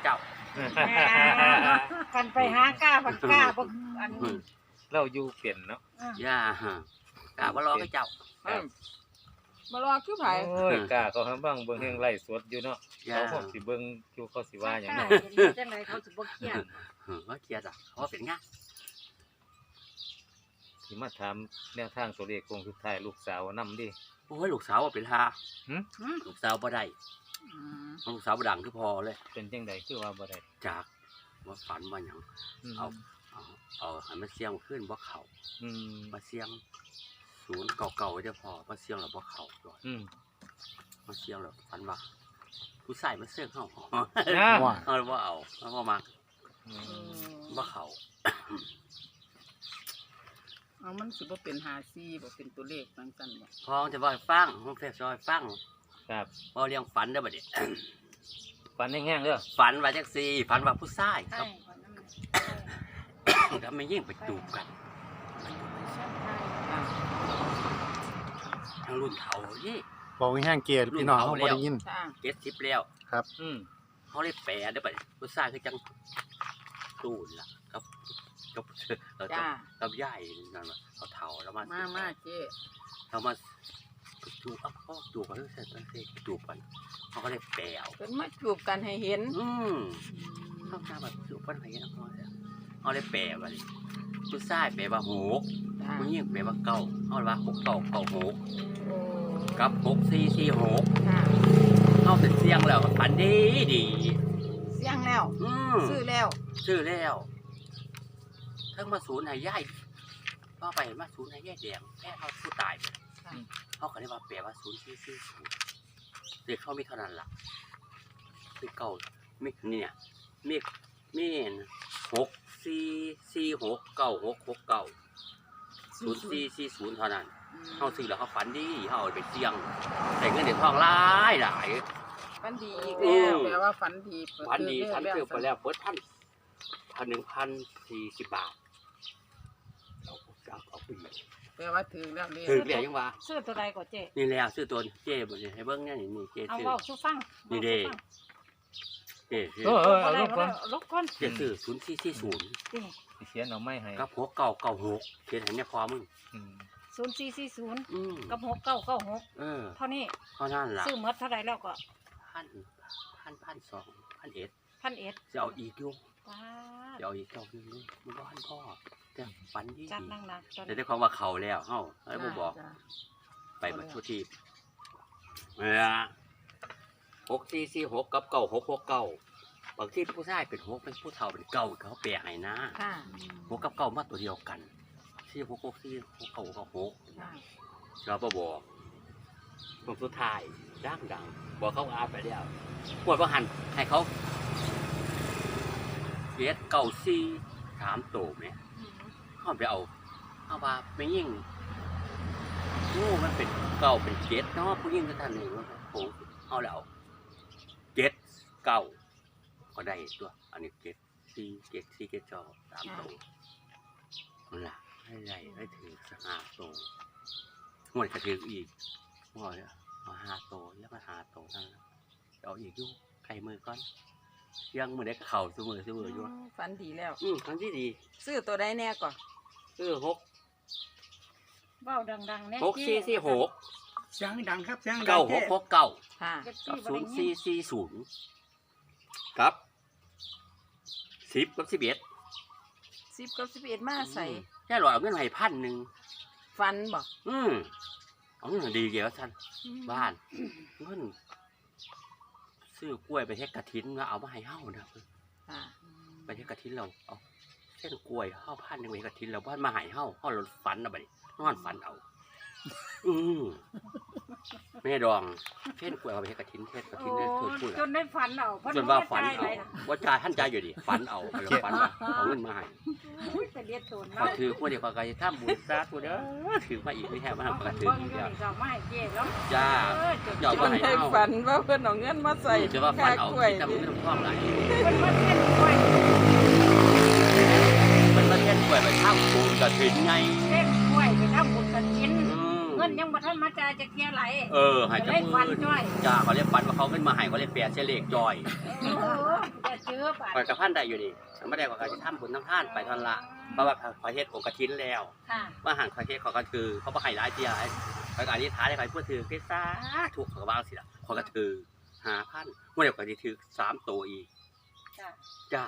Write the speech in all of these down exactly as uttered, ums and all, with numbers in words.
จ้ากันไปหากล้าบักกล้าบักอันเราอยู่เปลี่ยนเนาะย่าฮะกะว่ารอกับเจ้าบ่รอคือไผโอ้ยกล้าเขาทำบ้างเบิ่งแห่งไล่สดอยู่เนาะเขาคงสิเบิ่งอยู่เขาสิว่าหยังเนาะเนาะจังไดเขาสิบ่เครียดเออว่าเครียดอ่ะเพราะว่าเป็นงานสิมาถามแนวทางตัวเลขคงสุดท้ายลูกสาวนำดิโอ้ยลูกสาวว่าเป็นฮาหึลูกสาวบ่ได้ลูกสาวบ่ดังคือพอเลยเป็นจังไดคือว่าบ่ได้จากว่าฝันว่าหยังอืมเอาเอาเอาให้มันเสียงขึ้นบ่เข้าอืมมาเสียงศูนย์เก่าๆไว้เด้อพอมาเสียงแล้วบ่เข้าด้วยอืมมาเสียงแล้วฝันว่าผู้ชายมาเสียงเฮานะเอาบ่เอาเอาบ่มาอืมบ่เข้าเอามันสิบ่เป็นห้าสี่บ่เป็นตัวเลขจังซั่นบ่พอจะบ่ให้ฟังผมแฟซอยฟังครับพอเรื่องฝันเด้อบัดนี้ฟันแห้งๆเด้อฝันว่าจังซี่ฝันว่าผู้ชายคใช่รับคนนั้นแล้วไม่ยิ่งไปจูบกันทางรุ่นเฒ่านี่บอกให้แห้งเกียร์พี่น้องเขาบ่ได้ยินจ้าเจ็ดสิบแล้วอืมเขาเลยแปลได้อบัดนี้ผู้ชายคือจังตู้นล่ะกับกับเออกับจ้ากับยายนั่นน่ะเขาเฒ่าแล้วมามามาเจ้เขามาจูบอ่ะพ่อจูบกันเสร็จแล้วเสร็จจูบกันเขาก็เลยแปลเอาเพิ่นมาจูบกันให้เห็นอืมเขาทำแบบจูบกันให้นะพ่อเนี่ยเขาเลยแปลว่านี่ผู้ชายแปลว่าหกจ้าผู้หญิงแปลว่าเก้าเขาเลยว่าหกเก้าเก้าหกโอ้กับหกสี่สี่หกจ้าเข้าเป็นเสียงแล้วก็ฝันดีดีเสียงแล้วอืมซื้อแล้วชื่อแล้วทั้งมาศูนย์ให้ย่ายพ่อไปมาศูนย์ให้ย่ายแดงแค่เขาผู้ตายไปค่ะเขาก็เลยว่าแปลว่าศูนย์สี่สี่ศูนย์เด็กเขามีเท่านั้นล่ะมีเก่ามีเนี่ยมีมีหกสี่สี่หกเก้าหกหกเก้าศูนย์สี่สี่ศูนย์เท่านั้นเขาซื้อแล้วเขาฝันดีเขาเอาไปเสี่ยงแต่เงินเด็กทองหลายหลายฝันดีอีกแล้วอืมแปลว่าฝันดีพันดีเปิพันเรื่เกืออบไปแล้วเปิดพันพันหนึ่งพันสี่สิบบาทเอาเอาเอาไปแปลว่าถือแล้วเลยถือเรียกยังว่าซื้อตัวใดก็เจ๊นี่แล้วซื้อตัวเจ๊บนให้เบิ้งเนี่ยนี่นี่เจ๊เอาซื้อเว้าสู่ฟังนี่เด้เจ๊ซื้อเออเออเอาเอาลูลูกกก่ก่ออน นลูกก่อนเจ๊ซื้อศูนย์สี่สี่ศูนย์เจ๊เขียนเอาไม้ให้กับหัวเก่าเก่าหกเขียนให้เนี่ยพอมึงอืมศูนย์สี่สี่ศูนย์อืมกับหกเก้าเก้าหกเออเท่านี้เท่านั้นล่ะซื้อหมดเท่าไหร่แล้วก็พันพันพันสองพันเอ็ดพันเอ็ดจะเอาอีกอยู่ว้าจะเอาอีกเจ้าหนึงด้วยมันบ้านพ่อแต่ฝันดีจัดหนักๆจนแต่ได้ความว่าเขาแล้วเฮ้าไอ้บ่บอกจ้าไปมาทุกที่เออหกสี่สี่หกกับเก้าหกหกเก้าบางที่ผู้ชายเป็นหกเป็นผู้เฒ่าเป็นเก้าเขาแปลให้นะค่ะหกกับเก้ามาตัวเดียวกันสี่หกหกสี่หกเก้าหกหกค่ะเราบ่บอกตรงสุดท้ายดังดังบอกเขาอาไปแล้วปวดว่าหันให้เขาเกียเก้าสี่ถามโตไหมเขาไปเอาเอาว่าไม่ยิ่งโอ้มันเป็นเก้าเป็นเจ็ดเนาะผู้ยิ่งก็ท่านหนึ่งโอ้เอาแล้วเจ็ดเก้าก็ได้ตัวอันนี้เจ็ดสี่เจ็ดสี่เจ็ดจอสามโตนั่นแหละให้ได้ให้ถือสหาโตหมดกระถืออีกหมดเอาหาโตแล้วมาหาโตนั่นแหละเอาอีกอยู่ไข่มือก่อนยังมือได้เข่าเสมอเสมออยู่ฝันดีแล้วอืมครั้งที่ดีซื้อตัวใดแน่ก่อนเออหกเว้าดังๆแน่หกสี่สี่หกเสียงดังครับเสียงดังเก้าหกหกเก้าค่ะเจ็ดกับสี่บ่ศูได้นย์ยิสี่นสี่ศูนย์ครับสิบกับสิบเอ็ดสิบกับสิบเอ็ดมาใส่แค่หลอดเอาเงินให้พันหนึ่งฟันบ่อืมเอาเงินดีเกี่ยวกับท่านบ้านเงินซื้อกล้วยไปเทศกระถินแล้วเอามาให้เฮ้านะค่ะไปเทศกระถินเราเอาเส้นกล้วยเฮ้าพันหนึ่งไปกระถินเราบ้านมาให้เฮ้าเฮ้ารถฝันเอาไปนอนฝันเอา อืมแม่ดองเส้นกล้วยเอาไปเทศกระถินเทศกระถินโอ้เนี่ยคือพูดจนได้ฝันเอาเพิ่จนว่าฝันบ่เอาได้ใจนะว่าจ่ายท่านใจอยู่ดิฝันเอาแล้วฝันว่าเอาเงินมาให้อุ้ยแต่เลียดตูนพอเนาะถือพวกเดียวกันทำบุญซะกูเด้อถือมาอีกไม่แค่มาเอาทำไปกระถือเบิ่งอีกอยู่แล้วนี่ก็มาให้เจ๊แล้วจ้าเออจนหยอกจว่าน ให้ได้เอาฝันว่าเพิ่นเอาเงินมาใส่จะว่าฝันเอากล้วยที่ทำเงินท่องไหลเพิ่นมาเต้นกล้วยมันมาเช่นกล้วยไปทำบุญกระถินไงเต้นกล้วยไปทำบุญกฐินอืมเงินนยังบ่ทันมาจ่ายจะเคลียร์ไหลเออให้จะจับเล่นมืฟันอจ้อยจ้าเขาเรียกปันว่าเขาขึ้นมาให้เขาเรียกแปดเสยเลขจอยโอ้โหจะเจอปันคอยกับพันได้อยู่ดิไม่ได้ว่าเขาจะทำบุญทั้งท่านไปทันละเพราะว่าคอยเฮ็ดของกระถินแล้วค่ะว่าหันคอยเฮ็ดของกระถือเขาบ่ให้หลายเที่ยไอ้คอยก็อธิษฐานให้คอยพูดถือพิซซ่าถูกเขาก็วางสิล่ะคอยก็ถือห้าพันเมื่อเดี๋ยวก็สิถือสามตัวอีกจ้ะจ้า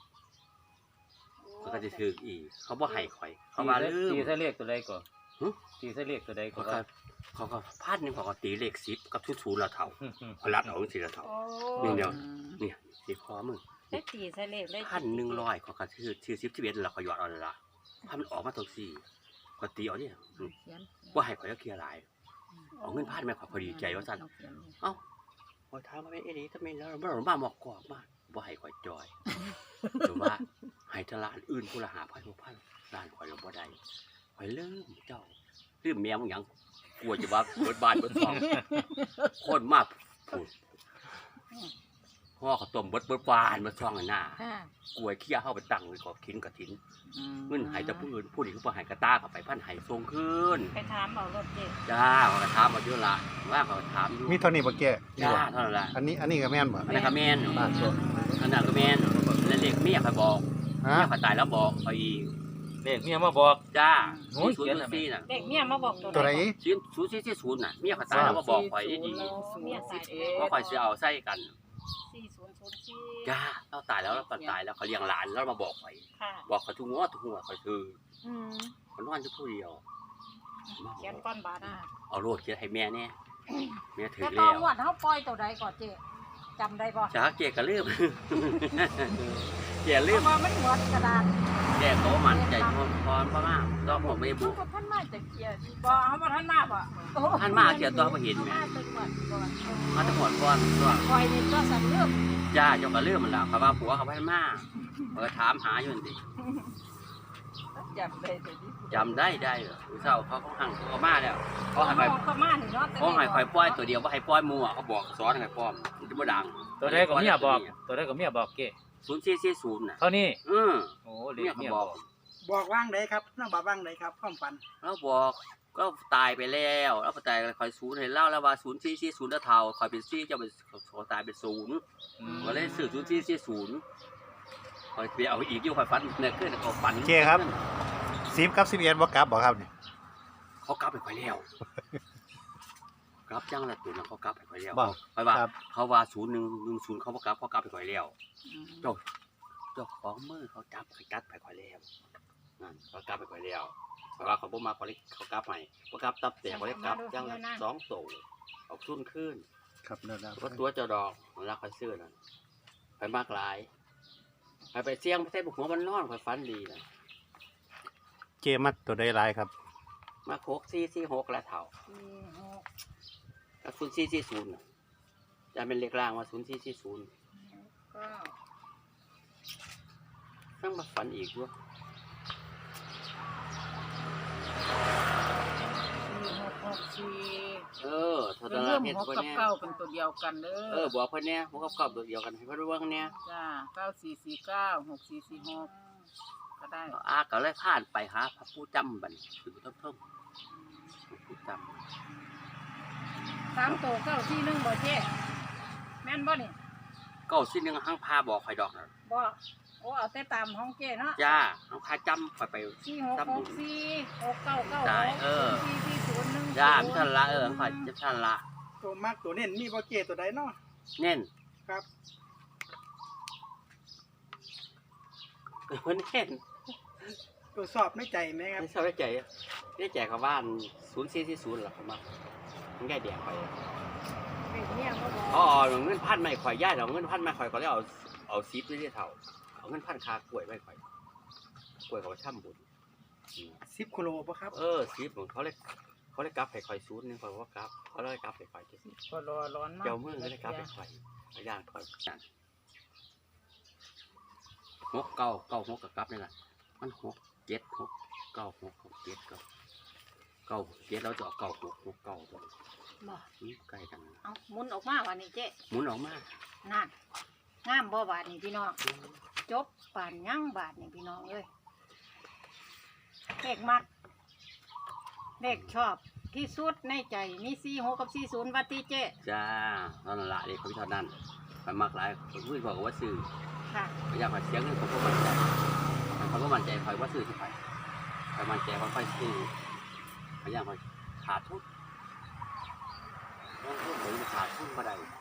เขาก็สิถืออีกเขาบ่ให้คอยเขาว่าลืมตีซะเลขตัวใดก่อนหึตีซะเลขตัวใดก่อเขานก็เขาก็พันหนึงเขาก็ตีเลขสิบกับทุกๆละเท่าเขารัดเอาสิละเท่าโอ้นี่เดียว เนี่ยสิคอมึงได้ตีใส่เลขได้พันหนึ่งร้อยเขาก็ชื่อชื่อสิบสิบเอ็ดแล้วเขาหยอดเอาเลยละพันมันออกมาตัวสี่ก็ตีเอาเนี่ยอืมว่าให้ข่อยก็เคลียร์หลายเอาเงินพันไม่ข่อยพอดีใจว่าสั่นเอ้าข่อยถามมาเป็นเอดีทำไมแล้วเราบ้าหมอกกอกมากว่าให้ข่อยจอยหรือว่าให้ทลานอื่นผู้ละหาพันผู้พันล้านข่อยเราบ่ได้ข่อยเริ่มเจ้าเริ่มแมวมึงหยังกลัวจะว่าเบิดบานเบิดทองโคตรมากพูดพ่อเขาต้มเบิดเบิดบานเบิดทองหน้าค่ะกล้วยเคี้ยเข้าไปตั้งไว้กอบทิ้นกับทิ้นเงินหายแต่ผู้อื่นผู้อื่นเขาหายกระตาเข้าไปพันหายทรงขึ้นไปถามเอารถเจ๊จ้าเขาก็ถามมาเยอะละว่าเขาก็ถามอยู่มีเท่านี้บ่แก่นี่จ้าบ่เท่านั้นละอันนี้อันนี้ก็แม่นบ่อันนั้นก็แม่นบ้านตัวอันนั้นก็แม่นแล้วเด็กเมียเขาบอกฮะเมียเขาตายแล้วบอกเขาอีกเลขเมียมาบอกจ้าโอ้ยศูนเขียนย์อะไรสี่น่ะเด็กเมียมาบอกตัวตัวไหนศูนย์ศูนย์สี่สี่ศูนย์น่ะเมียเขาตายแล้วมาบอกข่อยดีเมียตายๆว่าข่อยสิเอาใส่กันสี่ศูนย์ศูนย์สี่จ้าเราตายแล้วเราตายแล้วเขาเลี้ยงหลานแล้วมาบอกข่อยค่ะบอกเขาทุกงวดทุกหัวข่อยคืออืมเขานอนอยู่ผู้เดียวเขียนก้อนบาทอ่ะเอาโลดเขียนให้แม่เนี่ยแม่ถือแล้วตแล้อนววัดเขาปล่อยตัวใดก่อนเจ๊จำได้ป่ะจ้าเกก็ลืม เกลืเพมราะว่ามันหมดกระดาษแกโตมันใจพรพรพม่าต้องผมไม่บุเขาก็ท่านมาจะเขียนบ่เอามาท่านมาบ่โอ้ท่านมาเขียนตัวเขาเห็นไหมมาตึกก่อนก่อนมาทั้งหมดก่อนตัวปล่อยนี่ก็สั่นเรื่องจ้าเจ้าก็ลืมมันแล้วเขาว่าผัวเขาพันมาเออถามหาอยู่นี่จำได้แต่ที่จำได้ได้เหรอเศร้าเขาเขาหังเขามาแล้วเขาให้เขาคอยก็มานี่เนาะเขาให้คอยปล่อยตัวเดียวว่าให้ปล่อยมัวเขาบอกสอนให้ปล่อยมันจะบ่ดังตัวใดก็เมียบอก ตัวใดก็เมียบอกเก้ศูนย์สี่สี่ศูนย์น่ะเท่านี้อือโอ้เลเมียขเขาเมียบบ ออก กบอกว่างไหนครับน้องบอกว่างไหนครับความฝันแล้วบอกก็ตายไปแล้วแล้วก็ตายคอยศูนย์เห็นเล่าแล้วว่าศูนย์สี่สี่ศูนย์แล้วเท่าคอยเป็นสี่เจ้าเป็นเขาตายเป็นศูนย์อืมก็เลยสื่อศูนย์สี่สี่ศูนย์คอยไปเอาอีกอยู่คอยฟันเนี่ยขึ้นเขาฟันเจ๊ครับสิบกับสิบเอ็ดบ่กลับบ่ครับนี่เขากลับไปคอยแล้วกลับจังละตัวนั้นเขากลับไปคอยแล้วบ่คอยว่าครับเขาว่าศูนย์หนึ่งหนึ่งศูนย์เขาบ่กลับเขากลับไปคอยแล้วเจ้าเจ้าของมือเขาจับเขาจัดไปคอยแล้วนั่นเขากลับไปคอยแล้วเพราะว่าเขาบ่มาเขาเลยเขากลับใหม่เขากลับตับแต่เขาเลยกลับจังละสองโตออกซุ่นขึ้นครับเด้อก็ตัวเจ้าดอกมันรักคอยซื้อนั่นไปมากหลายไปไปเสี่ยงไปใส่บุกหัวมันนอนคอยฟันดีนะเจ๊มักตัวใดหลายครับมาโคกซี่ซี่หกแล้วเถ่าสี่หกกับศูนย์ซี่ซี่ศูนย์จะเป็นเลขล่างว่าศูนย์ซี่ซี่ศูนย์เก้าตั้งมาฝันอีกด้วยสี่หกหกสี่เออเท่าเป็นนั้นเรื่ละองเห็นหกคนกับเนี้ยเก้าเป็นตัวเดียวกันเด้เออบอกคนเนี้ยพวกกับกรอบตัวเดียวกันให้เพื่อนว่าเนี้ยจ้าเก้าสี่สี่เก้าหกสี่สี่หกก็ได้อาก็เลยผ่านไปหาพระผู้จำบัดนถือต้มต้มผู้จสามตัวเก้าสี่หนึ่งบ่เจ๊แม่นบ่นี่ำก็สิ้นหนึ่งห้างพาบอกคอยดอกนะบ่โอ้เอาแต่ตามห้องเจ๊เนาะจ้าห้างพาจำคอยไปสี่หกหกสี่หกเก้าเก้าได้หกเออสี่สี่ศูนย์หนึ่งจ้ามิทันละเออคอยจะทันละตัวมากตัวเน้นมีบ่เกตัวใดเนาะเน่นครับเพิ่นเน่นตัวสอบในใจไหมครับไม่ชอบได้ใจได้ใจกับบ้านศูนย์สี่สี่ศูนย์หรอเขามามันง่ายเดียวไปเด็กเนี่ยก็บอกอ๋อเอาเงินพันไม่ข่อยย่าเอาเงินพันไม่ข่อยก็เลยเอาเอาซีฟนี่เท่าเอาเงินพันคากล้วยไม่ข่อยกล้วยเขาช่ำบุญสิบกิโลป่ะครับเออซีฟของเขาเลยเขาเลยกลับให้ข่อยศูนย์นึงข่อยว่ากลับเขาเลยกลับให้ข่อยก็รอร้อนมากเจ้ามือเลยกลับให้ข่อยพยานข่อยหกเก้าเก้าหกกับกลับนี่แหละมันหกเจ็ดหกเก้าหกหกเจ็ดเก้าเก้าเจ็ดแล้วจะเอาเก้าหกหกเก้าตัวบ่นี่ใกล้กันเอาหมุนออกมาวันนี้เจ๊หมุนออกมานั่นงามบ่บาทนี่พี่น้องจบป่านยั่งบาทนี่พี่น้องเอ้ยเลขมัดเลขชอบที่สุดในใจมีสี่หกกับสี่ศูนย์วัดที่เจ๊จ้าตอนนั้นละเลยเขาพิจารณาไปมากหลายคนพูดบอกว่าซื้อค่ะพยายามหาเสียงเงินเขาก็มั่นใจเขาก็มั่นใจคอยว่าซื้อที่ไปคอยมั่นใจว่าค่อยซื้อพยายามคอยขาดทุนลงทุนเหมือนขาดทุนมาได้